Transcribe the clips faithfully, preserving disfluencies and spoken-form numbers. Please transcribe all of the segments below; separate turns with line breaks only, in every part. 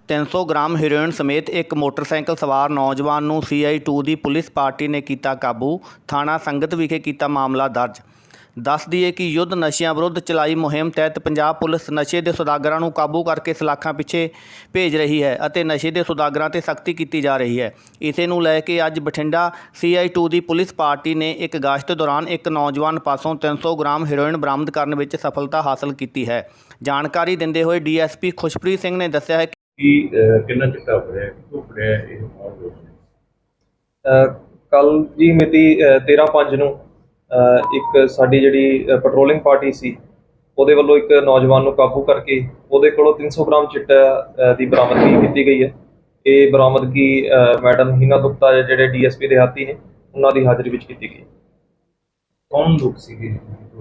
तीन सौ gram heroin समेत एक मोटरसाइकिल सवार नौजवान नूं सी आई टू की पुलिस पार्टी ने किया काबू। थाणा संगत विखे किया मामला दर्ज। दस दईए कि युद्ध नशियां विरुद्ध चलाई मुहिम तहत पंजाब पुलिस नशे के सौदागरां नूं काबू करके सलाखां पिछे भेज रही है और नशे के सौदागरां ते सख्ती की जा रही है। इसे नूं लै के अज बठिंडा सी आई टू की पुलिस पार्टी ने एक गश्त दौरान एक नौजवान पासों तीन सौ ग्राम हेरोइन बरामद करने में सफलता हासिल की है। जानकारी दिंदे होए D S P Khushpreet Singh ने दस्सिया है
कि कितना चिट्टा फड़िया कितों फड़िया ये कौन लोग ने?
कल जी मिति तेरह पंज नूं एक साडी जिहड़ी पेट्रोलिंग पार्टी सी ਉਹਦੇ ਵੱਲੋਂ एक नौजवान ਨੂੰ काबू करके ਉਹਦੇ ਕੋਲੋਂ तीन सौ ग्राम चिट्टा ਦੀ ਬਰਾਮਦਗੀ ਕੀਤੀ ਗਈ ਹੈ। ਇਹ ਬਰਾਮਦਗੀ ਮੈਡਮ ਹੀਨਾ ਗੁਪਤਾ ਜਿਹੜੇ ਡੀ ਐਸ ਪੀ ਦਿਹਾਤੀ ਨੇ ਉਹਨਾਂ ਦੀ ਹਾਜ਼ਰੀ ਵਿੱਚ ਕੀਤੀ ਗਈ।
ਕੌਣ ਲੋਕ ਸੀਗੇ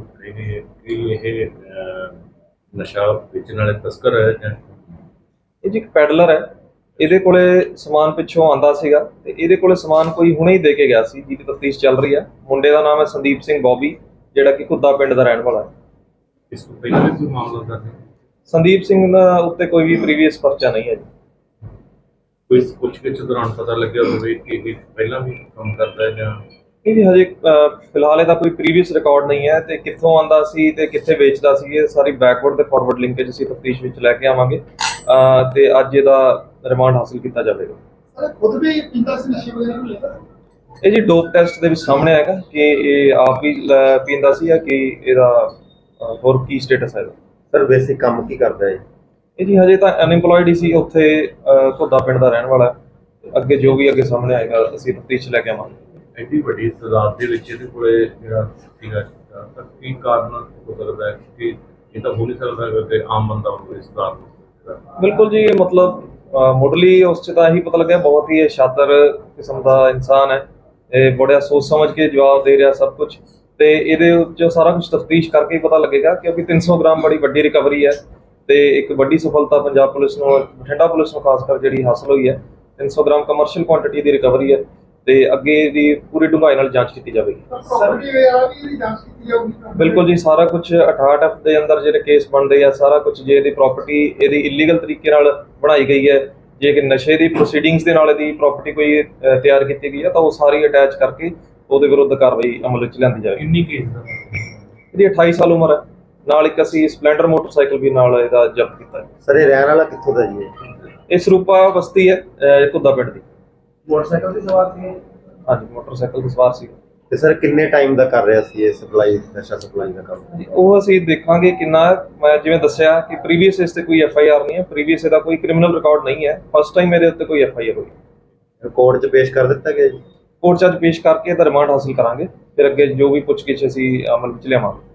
ਕਿ ਇਹ ਨਸ਼ਾ ਵੇਚਣ ਵਾਲੇ ਤਸਕਰ ਹੈ ਜਾਂ
ਇਹ ਜੀ ਇੱਕ ਪੈਡਲਰ ਹੈ। ਇਹਦੇ ਕੋਲੇ ਸਮਾਨ ਪਿੱਛੋਂ ਆਂਦਾ ਸੀਗਾ ਤੇ ਇਹਦੇ ਕੋਲੇ ਸਮਾਨ ਕੋਈ ਹੁਣੇ ਹੀ ਦੇ ਕੇ ਗਿਆ ਸੀ, ਜਿਹਦੀ ਤਫਤੀਸ਼ ਚੱਲ ਰਹੀ ਹੈ। ਮੁੰਡੇ ਦਾ ਨਾਮ ਹੈ ਸੰਦੀਪ ਸਿੰਘ ਬੌਬੀ, ਜਿਹੜਾ ਕਿ ਘੁੱਦਾ ਪਿੰਡ ਦਾ ਰਹਿਣ ਵਾਲਾ ਹੈ।
ਇਸ ਤੋਂ ਪਹਿਲਾਂ ਵੀ ਕੋਈ ਮਾਮਲਾ ਦਰਜ ਹੈ?
ਸੰਦੀਪ ਸਿੰਘ ਦਾ ਉੱਤੇ ਕੋਈ ਵੀ ਪ੍ਰੀਵੀਅਸ ਪਰਚਾ ਨਹੀਂ ਹੈ ਜੀ।
ਕੋਈ ਪੁੱਛਗਿੱਛ ਦੌਰਾਨ ਪਤਾ ਲੱਗਿਆ ਹੋਵੇ ਕਿ ਇਹ ਪਹਿਲਾਂ ਵੀ ਕੰਮ ਕਰਦਾ ਹੈ ਜਾਂ
ਇਹ ਜੀ ਹਜੇ ਫਿਲਹਾਲ ਇਹਦਾ ਕੋਈ ਪ੍ਰੀਵੀਅਸ ਰਿਕਾਰਡ ਨਹੀਂ ਹੈ ਤੇ ਕਿੱਥੋਂ ਆਂਦਾ ਸੀ ਤੇ ਕਿੱਥੇ ਵੇਚਦਾ ਸੀ, ਇਹ ਸਾਰੀ ਬੈਕਵਰਡ ਤੇ ਫਾਰਵਰਡ ਲਿੰਕੇਜ ਅਸੀਂ ਤਫਤੀਸ਼ ਵਿੱਚ ਲੈ ਕੇ ਆਵਾਂਗੇ ਤੇ ਅੱਜ ਇਹਦਾ ਰਿਮਾਂਡ ਹਾਸਿਲ ਕੀਤਾ ਜਾਵੇਗਾ।
ਸਰ ਖੁਦ ਵੀ ਪੀਂਦਾ ਸੀ ਨਸ਼ੇ ਵਗੈਰਾ ਨੂੰ ਲੈਂਦਾ?
ਇਹ ਜੀ ਡੋਪ ਟੈਸਟ ਦੇ ਵਿੱਚ ਸਾਹਮਣੇ ਆਏਗਾ ਕਿ ਇਹ ਆਪ ਹੀ ਪੀਂਦਾ ਸੀ ਜਾਂ ਕਿ ਇਹਦਾ ਹੋਰ ਕੀ ਸਟੇਟਸ ਹੈ।
ਸਰ ਵੈਸੇ ਕੰਮ ਕੀ ਕਰਦਾ ਹੈ?
ਇਹ ਜੀ ਹਜੇ ਤਾਂ ਅਨਇੰਪਲੋਇਡ ਹੀ ਸੀ, ਉੱਥੇ ਘੁੱਦਾ ਪਿੰਡ ਦਾ ਰਹਿਣ ਵਾਲਾ। ਅੱਗੇ ਜੋ ਵੀ ਅੱਗੇ ਸਾਹਮਣੇ ਆਏਗਾ ਅਸੀਂ ਤਫਤੀਸ਼ ਲੈ ਕੇ ਆਵਾਂਗੇ।
ਐਡੀ ਵੱਡੀ ਤਾਦਾਦ ਦੇ ਵਿੱਚ ਇਹਦੇ ਕੋਲੇ ਜਿਹੜਾ ਸੀਗਾ ਤਾਂ ਕੀ ਕਾਰਨ ਹੋ ਸਕਦਾ ਹੈ ਕਿ ਇਹ ਤਾਂ ਹੋ ਨਹੀਂ ਸਕਦਾ ਕਿ ਆਮ ਬੰਦਾ ਹੋਵੇ ਇਸ ਦਾ?
ਬਿਲਕੁਲ ਜੀ, ਮਤਲਬ ਮੁੱਢਲੀ ਉਸ 'ਚ ਤਾਂ ਇਹੀ ਪਤਾ ਲੱਗਿਆ ਬਹੁਤ ਹੀ ਸ਼ਾਤਰ ਕਿਸਮ ਦਾ ਇਨਸਾਨ ਹੈ। ਇਹ ਬੜਾ ਸੋਚ ਸਮਝ ਕੇ ਜਵਾਬ ਦੇ ਰਿਹਾ ਸਭ ਕੁਝ, ਤੇ ਇਹਦੇ ਵਿੱਚ ਸਾਰਾ ਕੁਝ ਤਫਤੀਸ਼ ਕਰਕੇ ਹੀ ਪਤਾ ਲੱਗੇਗਾ ਕਿਉਂਕਿ तीन सौ ਗ੍ਰਾਮ ਬੜੀ ਵੱਡੀ ਰਿਕਵਰੀ ਹੈ ਤੇ ਇੱਕ ਵੱਡੀ ਸਫਲਤਾ ਪੰਜਾਬ ਪੁਲਿਸ ਨੂੰ, ਬਠਿੰਡਾ ਪੁਲਿਸ ਨੂੰ ਖਾਸ ਕਰ ਜਿਹੜੀ ਹਾਸਲ ਹੋਈ ਹੈ। तीन सौ ਗ੍ਰਾਮ ਕਮਰਸ਼ੀਅਲ ਕੁਆਂਟੀਟੀ ਦੀ ਰਿਕਵਰੀ ਹੈ ਤੇ ਅੱਗੇ ਦੀ ਪੂਰੀ ਡੂੰਘਾਈ ਨਾਲ ਜਾਂਚ ਕੀਤੀ ਜਾਵੇਗੀ।
ਪ੍ਰਾਪਰਟੀ ਵਗੈਰਾ ਵੀ ਜਾਂਚ ਕੀਤੀ ਜਾਊਗੀ?
ਬਿਲਕੁਲ ਜੀ, ਸਾਰਾ ਕੁਝ ਅਠਾਹਠ ਐਫ ਦੇ ਅੰਦਰ ਜਿਹੜੇ ਕੇਸ ਬਣਦੇ ਆ, ਸਾਰਾ ਕੁਝ ਜੇ ਇਹਦੀ ਪ੍ਰਾਪਰਟੀ ਇਹਦੀ ਇਲੀਗਲ ਤਰੀਕੇ ਨਾਲ ਬਣਾਈ ਗਈ ਹੈ, ਜੇ ਕਿ ਨਸ਼ੇ ਦੀ ਪ੍ਰੋਸੀਡਿੰਗਸ ਦੇ ਨਾਲ ਇਹਦੀ ਪ੍ਰਾਪਰਟੀ ਕੋਈ ਤਿਆਰ ਕੀਤੀ ਗਈ ਹੈ ਤਾਂ ਉਹ ਸਾਰੀ ਅਟੈਚ ਕਰਕੇ ਉਹਦੇ ਵਿਰੁੱਧ ਕਾਰਵਾਈ ਅਮਲ ਵਿੱਚ ਲਿਆਂਦੀ ਜਾਵੇਗੀ।
ਕਿੰਨੀ ਕੇਸ ਦਾ?
ਇਹਦੀ ਅਠਾਈ ਸਾਲ ਉਮਰ ਹੈ। ਨਾਲ ਇੱਕ ਅਸੀਂ ਸਪਲੈਂਡਰ ਮੋਟਰਸਾਈਕਲ ਵੀ ਨਾਲ ਇਹਦਾ ਜ਼ਬਤ ਕੀਤਾ ਹੈ।
ਸਰ ਇਹ ਰਹਿਣ ਵਾਲਾ ਕਿੱਥੋਂ ਦਾ ਜੀ?
ਇਹ ਸਰੂਪਾ ਬਸਤੀ ਹੈ ਘੁੱਦਾ ਪਿੰਡ ਦੀ।
ਮੋਟਰਸਾਈਕਲ ਦੀ ਸਵਾਰ ਸੀ?
ਹਾਂਜੀ, ਮੋਟਰਸਾਈਕਲ ਤੇ ਸਵਾਰ ਸੀ।
ਤੇ ਸਰ ਕਿੰਨੇ ਟਾਈਮ ਦਾ ਕਰ ਰਿਹਾ ਸੀ ਇਹ ਸਪਲਾਈ, ਨਸ਼ਾ ਸਪਲਾਈ ਦਾ ਕੰਮ?
ਉਹ ਅਸੀਂ ਦੇਖਾਂਗੇ ਕਿੰਨਾ। ਮੈਂ ਜਿਵੇਂ ਦੱਸਿਆ ਕਿ ਪ੍ਰੀਵੀਅਸ ਇਸ ਤੇ ਕੋਈ ਐਫ ਆਈ ਆਰ ਨਹੀਂ ਹੈ, ਪ੍ਰੀਵੀਅਸ ਇਹਦਾ ਕੋਈ ਕ੍ਰਿਮੀਨਲ ਰਿਕਾਰਡ ਨਹੀਂ ਹੈ। ਫਸਟ ਟਾਈਮ ਇਹਦੇ ਉੱਤੇ ਕੋਈ ਐਫ ਆਈ ਆਰ ਹੋਈ।
ਕੋਰਟ 'ਚ ਪੇਸ਼ ਕਰ ਦਿੱਤਾ ਗਿਆ ਜੀ?
ਕੋਰਟ 'ਚ ਅੱਜ ਪੇਸ਼ ਕਰਕੇ ਇਹਦਾ ਰਿਮਾਂਡ ਹਾਸਿਲ ਕਰਾਂਗੇ, ਫਿਰ ਅੱਗੇ ਜੋ ਵੀ ਪੁੱਛਗਿੱਛ ਅਸੀਂ ਅਮਲ ਵਿੱਚ ਲਿਆਵਾਂਗੇ।